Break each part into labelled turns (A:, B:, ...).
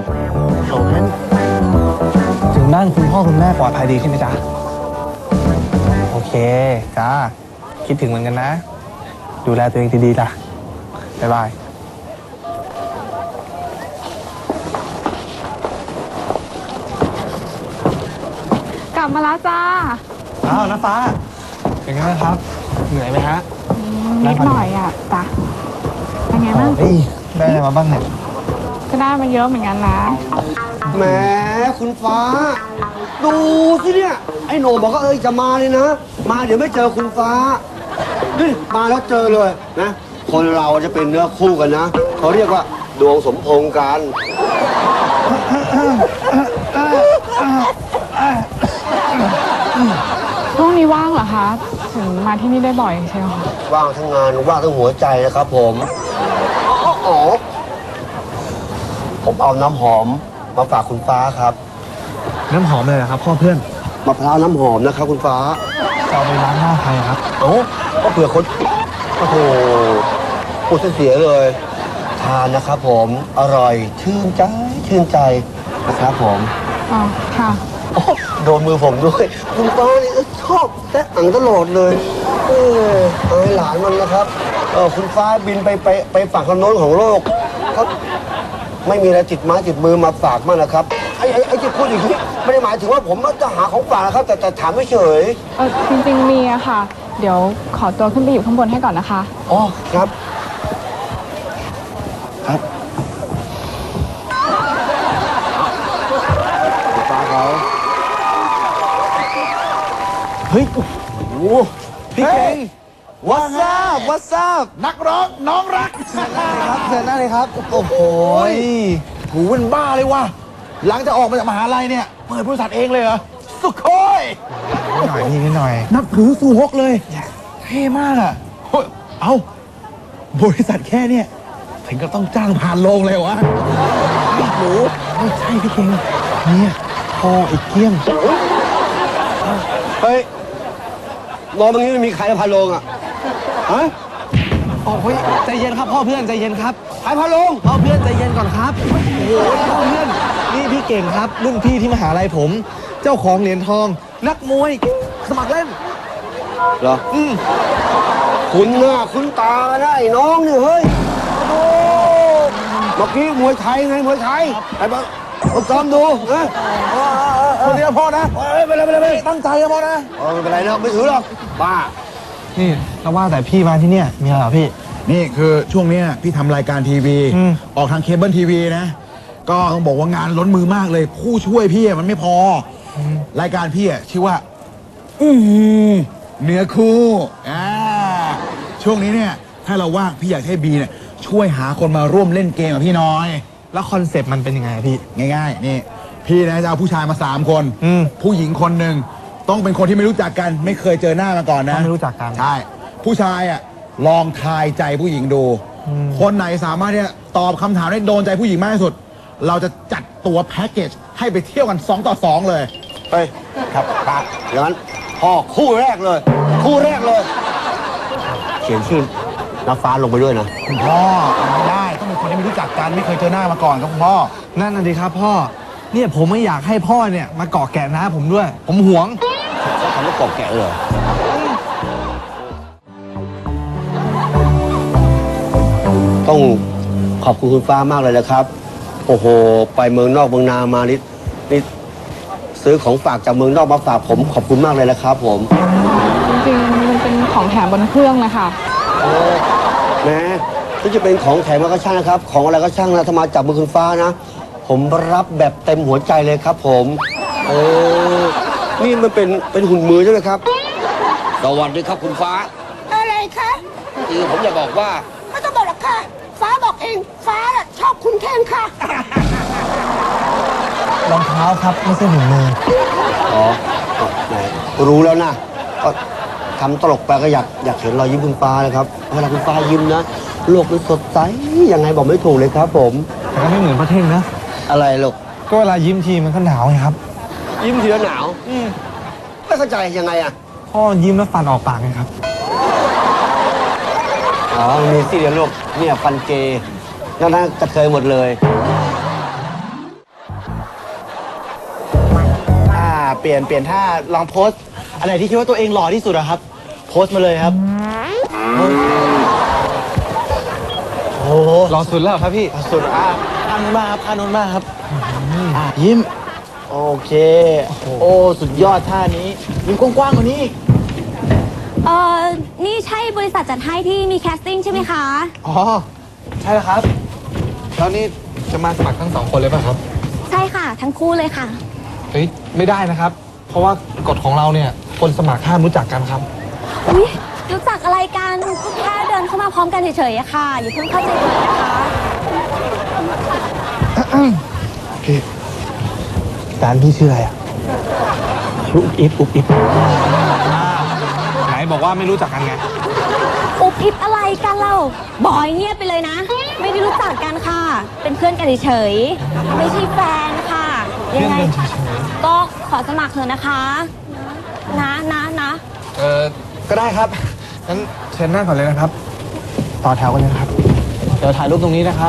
A: โอ้งั้นถึงบ้านคุณพ่อคุณแม่ปลอดภัยดีใช่ไหมจ๊ะโอเคจ้าคิดถึงเหมือนกันนะดูแลตัวเองดีๆล่ะบ๊ายบาย
B: กลับมาแล้วจ้า
A: อ้าวน้าฟ้าเป็นไงบ้างครับเหนื่อยไหมฮะ
B: นิดหน่อยอ่ะจ้ะเป็นไงบ้าง
A: ได้อะไรมาบ้างเนี่ย
B: ก็ได้มาเยอะเหมือนกันนะ
C: แหมคุณฟ้าดูสิเนี่ยไอ้โหน่บอกว่าจะมาเลยนะมาเดี๋ยวไม่เจอคุณฟ้านี่มาแล้วเจอเลยนะคนเราจะเป็นเนื้อคู่กันนะเขาเรียกว่าดวงสมพงษ์กัน
B: ช่วงนี้ว่างเหรอคะถึงมาที่นี่ได้บ่อยใช่ไหมคะ
C: ว่างทั้งงานว่างทั้งหัวใจนะครับผมอ๋อผมเอาน้ำหอมมาฝากคุณฟ้าครับ
A: น้ำหอมเลยเหรอครับพ่อเพื่อน
C: มะพร้าวน้ำหอมนะครับคุณฟ้า
A: จะเอาไปล้างหน้าใครครับ
C: โอ้ก็เผื่อคนโอ้โหพูดเสียเลยทานนะครับผมอร่อยชื่นใจนะครับผม
B: อ๋อค่ะ
C: โดนมือผมด้วยคุณป้านี่ชอบแตะอังตลอดเลยอายหลานมันนะครับคุณฟ้าบินไปฝั่งทางโน้นของโลกเขาไม่มีอะไรติดไม้ติดมือมาฝากมากนะครับไอ้ที่พูดอย่างนี้ไม่ได้หมายถึงว่าผมจะหาของฝากนะครับแต่ถามไม่เฉย
B: จริงๆมีอะค่ะเดี๋ยวขอตัวขึ้นไปอยู่ข้างบนให้ก่อนนะคะ
C: อ๋อครับฟ้าเขา
A: เฮ้ยโอ้โหพี่เก่งWhat's up
D: นักร้องน้องรัก
A: ครับเชิญหน้าเลยครับโอ้โห
D: หูเป็นบ้าเลยว่ะหลังจากออกมาจากมหาลัยเนี่ยเปิดบริษัทเองเลยเหรอสุโคย
A: นิดหน่อย
D: นับถือสู่ฮกเลยเท่มากอ่ะเอาบริษัทแค่เนี่ยถึงก็ต้องจ้างผ่านโรงเลยวะ
A: หนูไม่ใช่พี่เก่งเนี่ยพ่ออีกเกี้ยม
C: เฮ้ยรอตรงนี้ไม่มีใครพาลงอ่ะฮะ
A: โอ้ยใจเย็นครับพ่อเพื่อนใจเย็นครับ
C: ใครพาลง
A: พ่อเพื่อนใจเย็นก่อนครับโอ้โหพ่อเพื่อนนี่พี่เก่งครับรุ่นพี่ที่มหาลัยผมเจ้าของเหรียญทองนักมวยสมัครเล่น
C: เหรอคุณหน้าคุณตาได้น้องนี่เฮ้ยโอ้เมื่อกี้มวยไทยไงมวยไทยไอ้บ้าซ้อมดูนะ
D: คนเดียวพ่อนะ
C: ไปเลย
D: ตั้งใจนะพ่อนะ
C: ไม่เป็นไรนะไม่ถือหรอกบ้า
A: นี่แล้วว่าแต่พี่มาที่เนี่ยมีอะไรเหรอพี่
D: นี่คือช่วงนี้พี่ทำรายการทีวีออกทางเคเบิลทีวีนะก็ต้องบอกว่างานล้นมือมากเลยผู้ช่วยพี่มันไม่พอรายการพี่ชื่อว่าเนื้อคู่ช่วงนี้เนี่ยถ้าเราว่างพี่อยากให้บีเนี่ยช่วยหาคนมาร่วมเล่นเกมกับพี่น้อย
A: แล้วคอนเซปต์มันเป็นยังไงพี่
D: ง่ายๆนี่พี่นะจะเอาผู้ชายมา3 คนผู้หญิงคนหนึ่งต้องเป็นคนที่ไม่รู้จักกันไม่เคยเจอหน้ามาก่อนนะ
A: ไม่รู้จักกัน
D: ใช่ผู้ชายอ่ะลองทายใจผู้หญิงดูคนไหนสามารถที่จะตอบคำถามได้โดนใจผู้หญิงมากที่สุดเราจะจัดตัวแพ็กเกจให้ไปเที่ยวกัน2 ต่อ 2เลย
C: เฮ้ยครับปากอย่างนั้นพ่อคู่แรกเลยเขียนชื่อน้าฟ้าลงไปด้วยนะ
D: คุณพ่อไม่ได้ต้องเป็นคนที่ไม่รู้จักกันไม่เคยเจอหน้ามาก่อนครับคุณพ่อ
A: นั่นน่ะดิครับพ่อเนี่ยผมไม่อยากให้พ่อเนี่ยมาเกาะแกะน้าผมด้วยผมหวง
C: เขาทำให้เกาะแกะเลยต้องขอบคุณคุณฟ้ามากเลยนะครับโอ้โหไปเมืองนอกเมืองนามานี่ซื้อของฝากจากเมืองนอกมาฝากผมขอบคุณมากเลยนะครับผม
B: จริงๆมันเป็นของแถมบนเครื่องเลยค่ะ
C: แม้ที่จะเป็นของแถมก็ช่างนะครับของอะไรก็ช่างนะถ้ามาจากมือคุณฟ้านะผมรับแบบเต็มหัวใจเลยครับผมนี่มันเป็นหุ่นมือใช่ไหมครับสวัสดีครับคุณฟ้า
E: อะไรคะ
C: คือผมอยากบอกว่า
E: ไม่ต้องบอกหรอกค่ะฟ้าบอกเองฟ้าชอบคุณแค่นค่ะ
A: รองเท้าครับไม่ใช่หุ่นมือ
C: อ๋อไหนรู้แล้วนะก็ทำตลกไปก็อยากเห็นรอยยิ้มคุณฟ้านะครับเวลาคุณฟ้ายิ้มนะโลกมันสดใสยังไงบอกไม่ถูกเลยครับผม
A: แต่ก็ไม่เหมือนพระเท่งนะ
C: อะไรลูก
A: ก็เวลายิ้มทีมันก็หนาวไงครับ
C: ยิ้มทีแล้วหนาวไม่เข้าใจยังไงอ่ะ
A: พ่อยิ้มแล้วฟันออกปากไงครับ
C: อ๋อมีสิเดียวลูกเนี่ยฟันเกย์นั่นกระเทยหมดเลย
F: ปลี่ยนท่าลองโพสอะไรที่คิดว่าตัวเองหล่อที่สุดอะครับ โพสมาเลยครับโอ้โห
A: รอสุดแล้วเหรอครับพี่
F: สุดพานุนมาครับพานุนมาครับยิ้มโอเคโอ้สุดยอดท่านี้ยิ้มกว้างๆกว่านี้อีก
G: นี่ใช่บริษัทจัดให้ที่มีแคสติ้งใช่ไหมคะ
A: อ๋อ ใช่แล้วครับ แล้วนี่จะมาสมัครทั้ง2 คนเลยป่ะครับ
G: ใช่ค่ะ ทั้งคู่เลยค่ะ
A: เฮ้ย ไม่ได้นะครับ เพราะว่ากฎของเราเนี่ย คนสมัครห้ามรู้จักกันครับ
G: อุ๊ย รู้จักอะไรกันก็แค่เดินเข้ามาพร้อมกันเฉยๆอะค่ะ อย่าเพิ่งเข้าใจผิดนะคะ
A: พี่ร้านพี่ชื่ออะไรอ่ะชื่ออุ๊บอิ๊บอุ๊บอิ๊บไหนบอกว่าไม่รู้จักกันไง
G: อุบอิบอะไรกันเราบอยเงียบไปเลยนะ ไม่ได้รู้จักกันค่ะ เป็นเพื่อนกันเฉยๆไม่ใช่แฟนค่ะ ยังไงก็ขอสมัครเถอะนะคะ นะ
A: ก็ได้ครับ งั้นเชิญหน้าก่อนเลยนะครับ ต่อแถวกันเลยนะครับ เดี๋ยวถ่ายรูปตรงนี้นะครับ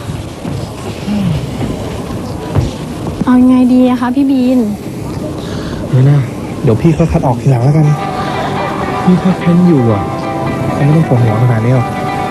B: เอายังไงดีอะคะพี่บีน
A: ไม่น่าเดี๋ยวพี่ค่อยคัดออกทีหลังแล้วกัน พี่แค่เพ้นอยู่อ่ะเขาไม่ต้องปวดหัวขนาดนี้หรอก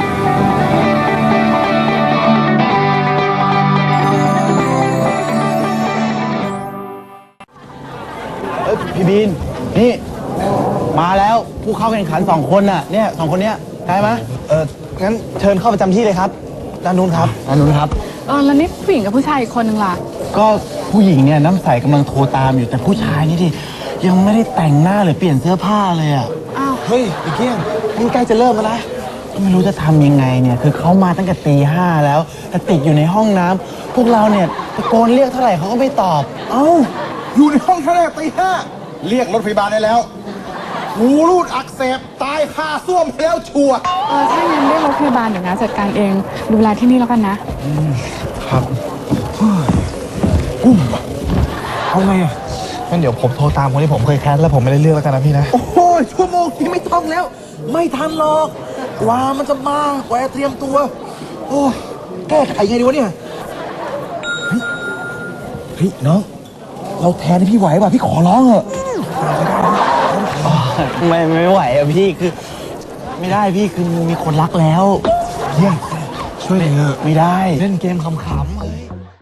F: พี่บีนนี่มาแล้วผู้เข้าแข่งขัน2 คนน่ะเนี่ย2 คนเนี้ยได้ไหม
A: งั้นเชิญเข้าประจำที่เลยครับด้านนู้นครับ
F: อันนู้นครับ
B: แล้วนี่ผู้หญิงกับผู้ชายอีกคนนึงล่ะ
F: ก็ผู้หญิงเนี่ยน้ำใสกำลังโทรตามอยู่แต่ผู้ชายนี่ดิยังไม่ได้แต่งหน้าหรือเปลี่ยนเสื้อผ้าเลยอ่ะ
A: เฮ้ยไอ้เกี้ยงนี่ใกล้จะเริ่มแล้วนะ
F: ก็ไม่รู้จะทำยังไงเนี่ยคือเขามาตั้งแต่ตี 5แล้วแต่ติดอยู่ในห้องน้ำพวกเราเนี่ยตะโกนเรียกเท่าไหร่เขาก็ไม่ตอบ
D: เอ้า อยู่ในห้องแค่ตี 5เรียกรถพยาบาลได้แล้วหูรูดอักเสบตายคาส้วมไปแล้วชัวร์
B: ถ้างั้นเรียกรถพยาบาลเดี๋ยวนะจัดการเอง ดูแลที่นี่แล้วกันนะ
A: ครับเอาไงอ่ะงั้นเดี๋ยวผมโทรตามคนที่ผมเคยแคสแล้วผมไม่ได้เลือกแล้วกันนะพี่นะ
D: โอ้โหชั่วโมงนี้ไม่ต้องแล้ว ไม่ทันหรอก กว่ามันจะมากว่าจะเตรียมตัว โอ้แก้ไขไงดีวะเนี่ย เฮ้ยน้อง เราแทนให้พี่ไหวป่ะ พี่ขอร้องเถอะ
F: ไม่ไหวอะพี่คือไม่ได้พี่คือมีคนรักแล้ว
A: ช่วยหน่อยเถอะ
F: ไม่ได้
A: เล่นเกมขำ